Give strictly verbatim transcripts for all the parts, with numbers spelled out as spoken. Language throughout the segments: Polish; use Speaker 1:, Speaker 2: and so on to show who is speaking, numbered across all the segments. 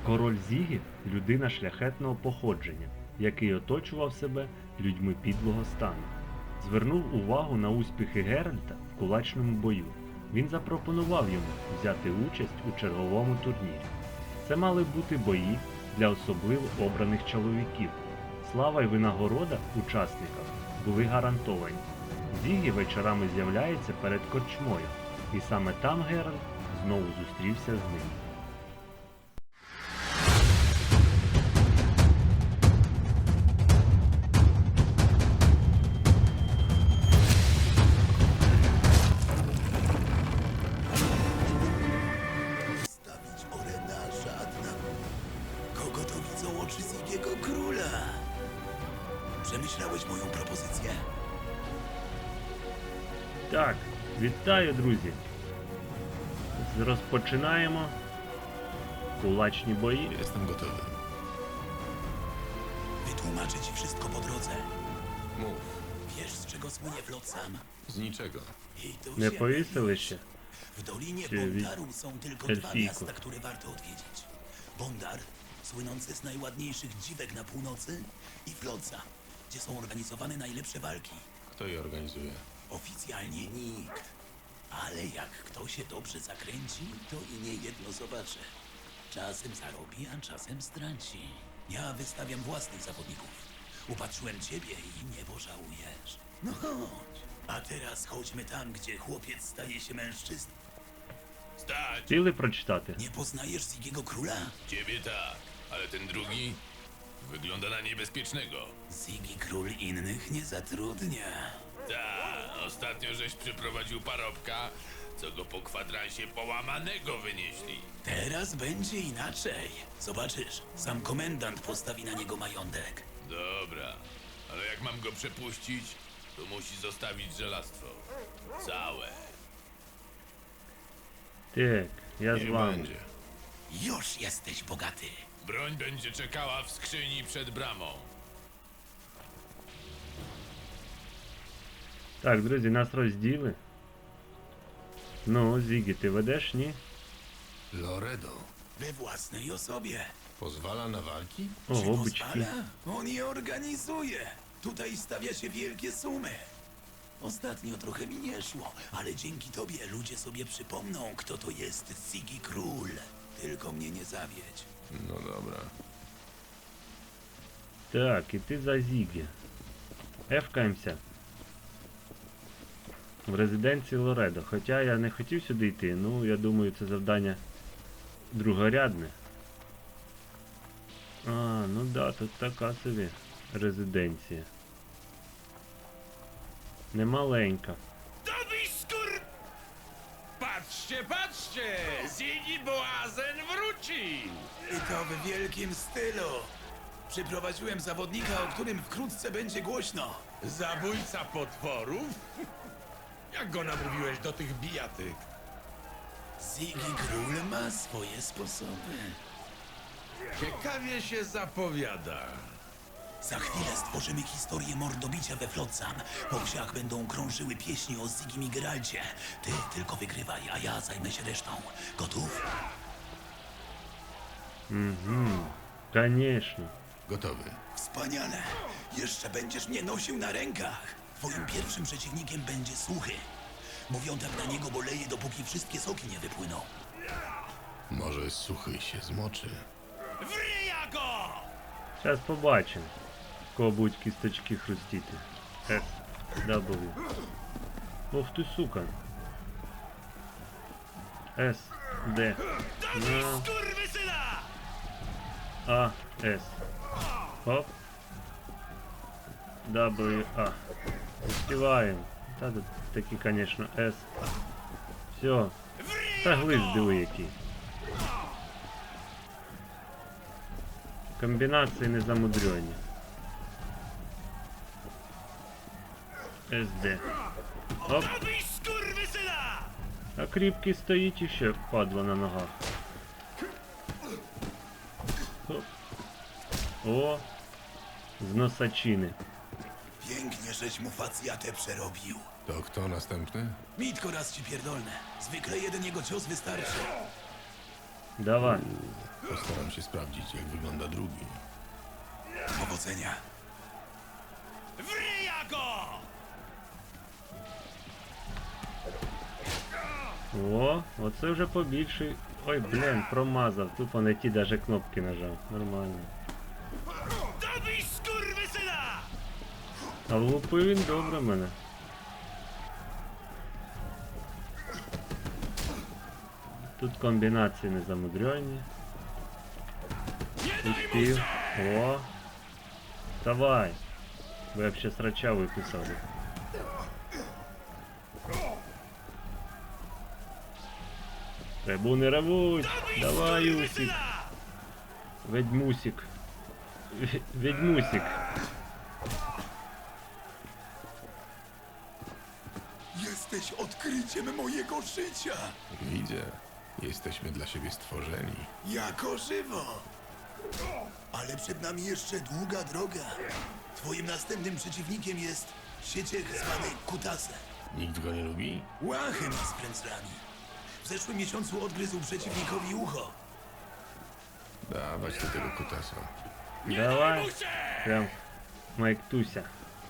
Speaker 1: Король Зігі – людина шляхетного походження, який оточував себе людьми підлого стану. Звернув увагу на успіхи Геральта в кулачному бою. Він запропонував йому взяти участь у черговому турнірі. Це мали бути бої для особливо обраних чоловіків. Слава й винагорода учасникам були гарантовані. Зігі вечорами з'являється перед корчмою, і саме там Геральт знову зустрівся з ним.
Speaker 2: Stawić oręża na... Kogo to widzą oczy Zigiego Króla? Przemyślałeś moją propozycję?
Speaker 1: Так, вітаю, друзі! Розпочинаємо кулачні бої.
Speaker 3: Jestem gotowy.
Speaker 2: Wytłumaczę ci wszystko po drodze.
Speaker 3: Mów.
Speaker 2: Wiesz, z czego słynie Flotsam?
Speaker 3: Z niczego.
Speaker 2: I to
Speaker 1: Не
Speaker 2: się
Speaker 1: повісили
Speaker 2: mylisz.
Speaker 1: ще?
Speaker 2: W Dolinie
Speaker 1: Czyli
Speaker 2: Bondaru są tylko dwa
Speaker 1: Elfiku.
Speaker 2: miasta, które warto odwiedzić. Bondar, słynący z najładniejszych dziwek na północy, i Flotsam, gdzie są organizowane najlepsze walki.
Speaker 3: Kto je organizuje?
Speaker 2: Oficjalnie nikt. Ale jak kto się dobrze zakręci, to i nie jedno zobaczy. Czasem zarobi, a czasem straci. Ja wystawiam własnych zawodników. Upatrzyłem ciebie i nie pożałujesz. No chodź. A teraz chodźmy tam, gdzie chłopiec staje się mężczyzną.
Speaker 4: Stać!
Speaker 1: Хотіли прочитати?
Speaker 2: Nie poznajesz Zigiego Króla?
Speaker 4: Ciebie tak, ale ten drugi wygląda na niebezpiecznego.
Speaker 2: Zigi Król innych nie zatrudnia.
Speaker 4: Ta, ostatnio żeś przyprowadził parobka, co go po kwadransie połamanego wynieśli.
Speaker 2: Teraz będzie inaczej. Zobaczysz, sam komendant postawi na niego majątek.
Speaker 4: Dobra, ale jak mam go przepuścić, to musi zostawić żelastwo. Całe.
Speaker 1: Так, я з
Speaker 3: Nie
Speaker 1: вами.
Speaker 3: będzie.
Speaker 2: Już jesteś bogaty.
Speaker 4: Broń będzie czekała w skrzyni przed bramą.
Speaker 1: Так, друзі, нас розділи. Ну, Зігі, ти ведеш, ні?
Speaker 3: Loredo.
Speaker 2: We własnej osobie.
Speaker 3: Pozwala na walki?
Speaker 2: Czy
Speaker 1: Ого, бички.
Speaker 2: pozwala? On je organizuje. Tutaj stawia się wielkie sumy. Ostatnio trochę mi nie szło, ale dzięki tobie ludzie sobie przypomną, kto to jest Zigi Król. Tylko mnie nie zawiedź.
Speaker 3: No dobra.
Speaker 1: Так, і ти за Зігі. Ефкаємося. В резиденції Лоредо. Хоча я не хотів сюди йти, ну, я думаю, це завдання другорядне. А, ну да, тут така собі резиденція. Немаленька.
Speaker 5: Dobij skór... Patrzcie, patrzcie! Zigi Boazen wrócił!
Speaker 2: I to w wielkim stylu. Przyprowadziłem zawodnika, o którym wkrótce będzie głośno.
Speaker 5: Zabójca potworów? Jak go namówiłeś do tych bijatyk?
Speaker 2: Zigi Król ma swoje sposoby.
Speaker 5: Ciekawie się zapowiada.
Speaker 2: Za chwilę stworzymy historię mordobicia we Flotsam. Po wsiach będą krążyły pieśni o Zigim i Geralcie. Ty tylko wygrywaj, a ja zajmę się resztą. Gotów?
Speaker 1: Угу. Конечно.
Speaker 3: Gotowy.
Speaker 2: Wspaniale! Jeszcze będziesz mnie nosił na rękach. Twoim pierwszym przeciwnikiem będzie Suchy. Mówią tak na niego, bo leje, dopóki wszystkie soki nie wypłyną.
Speaker 3: Może suchy się zmoczy.
Speaker 5: Wryja go!
Speaker 1: Зараз побачимо. В кого будуть кісточки хрустіти. С, W. Ох ти, сука. С, Д.
Speaker 5: Dobij
Speaker 1: No.
Speaker 5: skurwysyna!
Speaker 1: А, С. Хоп. W, А. Успіваємо. Та тут такі, конечно, С. Все. Та глист диви який. Комбінації незамудрені. С, Д. Оп.
Speaker 5: Dobij skurwysyna!
Speaker 1: А кріпкий стоїть іще, падла на ногах. Хоп. О, з носачини.
Speaker 2: Pięknie, żeś mu facjatę przerobił.
Speaker 3: To kto następny?
Speaker 2: Mitko raz ci pierdolne. Zwykle jeden jego cios wystarczy.
Speaker 1: Давай.
Speaker 3: Postaram się sprawdzić, jak wygląda drugi.
Speaker 2: Powodzenia.
Speaker 4: Wryja go!
Speaker 1: О, оце вже побільший. Ой, блін, промазав. Тупо не ті даже кнопки нажав. Нормально.
Speaker 4: Dobij skurwysyna!
Speaker 1: А влупив він добре мене. Тут комбінації незамудрені. Успів. О! Давай! Ви я б ще срача виписали. Реву не ревуть! Давай, Усік! Ведьмусік! Ве- Ведьмусік!
Speaker 2: Jesteś odkryciem mojego życia.
Speaker 3: Widzę. Jesteśmy dla siebie stworzeni.
Speaker 2: Jako żywo. Ale przed nami jeszcze długa droga. Twoim następnym przeciwnikiem jest sieciech zwany Kutasem.
Speaker 3: Nikt go nie lubi?
Speaker 2: Łachy ma z prędzlami. W zeszłym miesiącu odgryzł przeciwnikowi ucho.
Speaker 3: Dawać do tego kutasa.
Speaker 1: Давай! Прям Майк Туся.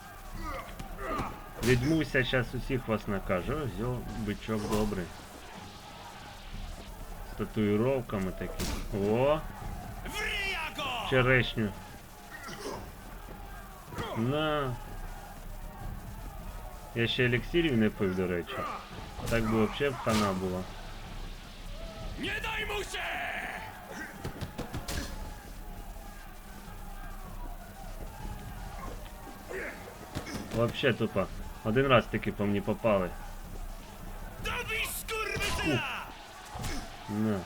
Speaker 1: Відьмуся, зараз усіх вас накаже. Ось йо, бичок добрий. З татуїровками такими. О!
Speaker 4: Wryja go!
Speaker 1: Черешню. На. Я ще еліксирів не пив, до речі. Так би взагалі б хана була.
Speaker 4: Nie daj mu się!
Speaker 1: Вообще тупо. Один раз таки по мені попали.
Speaker 4: Dobij skurwysyna!
Speaker 1: На.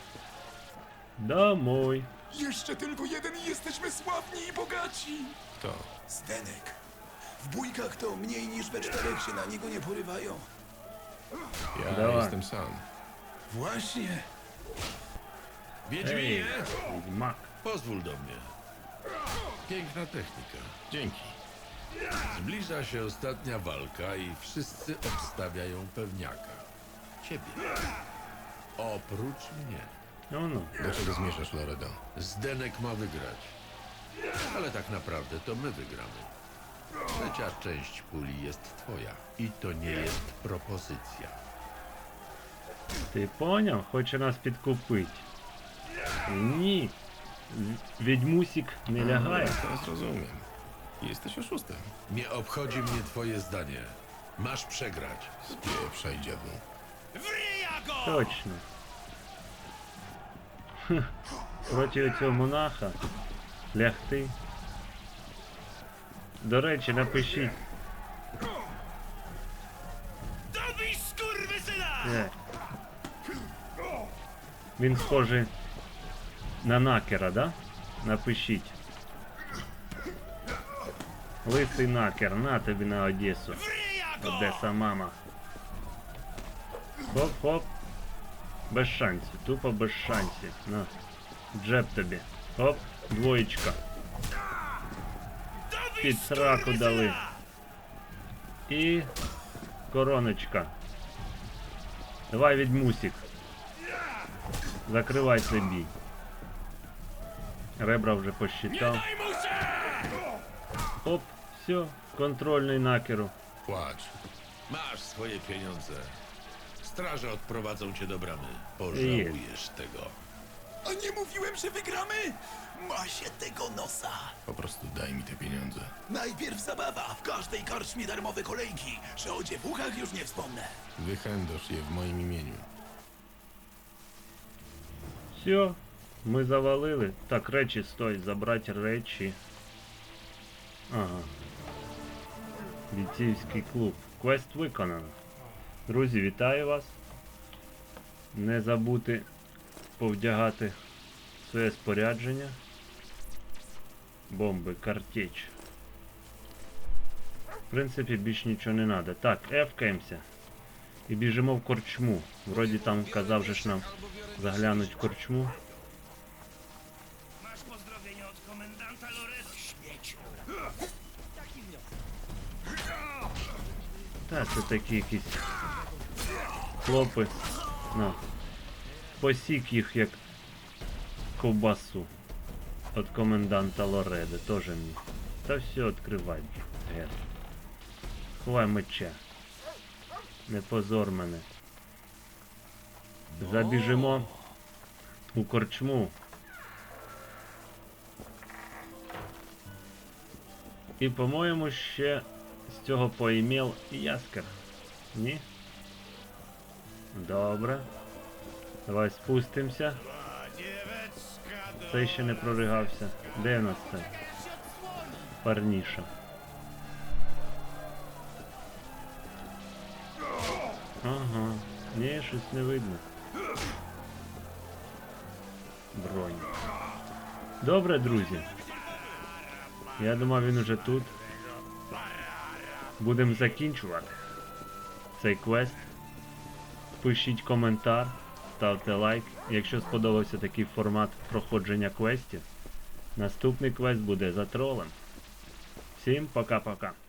Speaker 1: Домой.
Speaker 2: Jeszcze tylko jeden i jesteśmy sławni i bogaci.
Speaker 3: Kto?
Speaker 2: Zdenek. W bójkach to mniej niż we czterech się na niego nie porywają.
Speaker 3: Ja
Speaker 1: Dawaj.
Speaker 3: jestem sam.
Speaker 2: Właśnie.
Speaker 1: Ej,
Speaker 5: Wiedźminie,
Speaker 1: Wiedźmak.
Speaker 5: pozwól do mnie. Piękna technika.
Speaker 3: Dzięki.
Speaker 5: Zbliża się ostatnia walka i wszyscy obstawiają pewniaka. Ciebie. Oprócz mnie.
Speaker 1: No no.
Speaker 3: Do czego zmierzasz, Loredo?
Speaker 5: Zdenek ma wygrać. Ale tak naprawdę to my wygramy. Trzecia część puli jest twoja. I to nie jest propozycja.
Speaker 1: Ти поняв? Хоче нас підкупити. Ні. В- Відьмусік не лягає.
Speaker 3: Teraz rozumiem. Jesteś oszustem.
Speaker 5: Nie obchodzi mnie twoje zdanie. Masz przegrać.
Speaker 3: Spieprzaj, dziadu.
Speaker 4: Wryja go!
Speaker 1: Точно. Хм. Проти цього монаха лягти. До речі, напишіть.
Speaker 4: Dobij skurwysyna!
Speaker 1: Е. Він схожий на накера, да? Напишіть. Лисий накер, на тобі на Одесу.
Speaker 4: Wryja go!
Speaker 1: Одеса мама. Хоп-хоп. Без шансів, тупо без шансів. На. Джеб тобі. Хоп, двоєчка.
Speaker 4: Dobij
Speaker 1: Під сраку дали.
Speaker 4: skurwysyna!
Speaker 1: І короночка. Давай, відьмусік. Закривай цей бій. Ребра вже
Speaker 4: Nie
Speaker 1: посчитав.
Speaker 4: daj mu się!
Speaker 1: Оп, все, контрольний накеру.
Speaker 3: Płacz.
Speaker 5: Masz swoje pieniądze. Straże odprowadzą cię do bramy. Pożałujesz tego.
Speaker 2: A nie mówiłem, że wygramy? Ma się tego nosa.
Speaker 3: Po prostu daj mi te pieniądze.
Speaker 2: Najpierw zabawa. W każdej karczmie darmowe kolejki. Że o dziewuchach już nie wspomnę.
Speaker 3: Wychędosz je w moim imieniu.
Speaker 1: Все, ми завалили. Так, речі, стой, забрати речі. Ага. Бійцівський клуб. Квест виконано. Друзі, вітаю вас. Не забудьте повдягати своє спорядження. Бомби, картеч. В принципі, більш нічого не треба. Так, ефкаємося. І біжимо в корчму. Вроді там казав же ж нам заглянуть в корчму.
Speaker 4: Masz pozdrowienie od komendanta Loredo, śmieciu.
Speaker 1: Та, це такі якісь хлопи. На. Посік їх як ковбасу от коменданта Лореди, теж мені. Та все, відкривай. Гер. Ховай меча. Не позор мене. Забіжимо у корчму. І, по-моєму, ще з цього поімел яскер. Ні? Добре. Давай спустимося. Цей ще не проригався. Де в нас це? Парніша. Ага. Ні, щось не видно. Бронь. Добре, друзі. Я думав, він уже тут. Будемо закінчувати цей квест. Пишіть коментар, ставте лайк. Якщо сподобався такий формат проходження квестів, наступний квест буде за тролем. Всім пока-пока.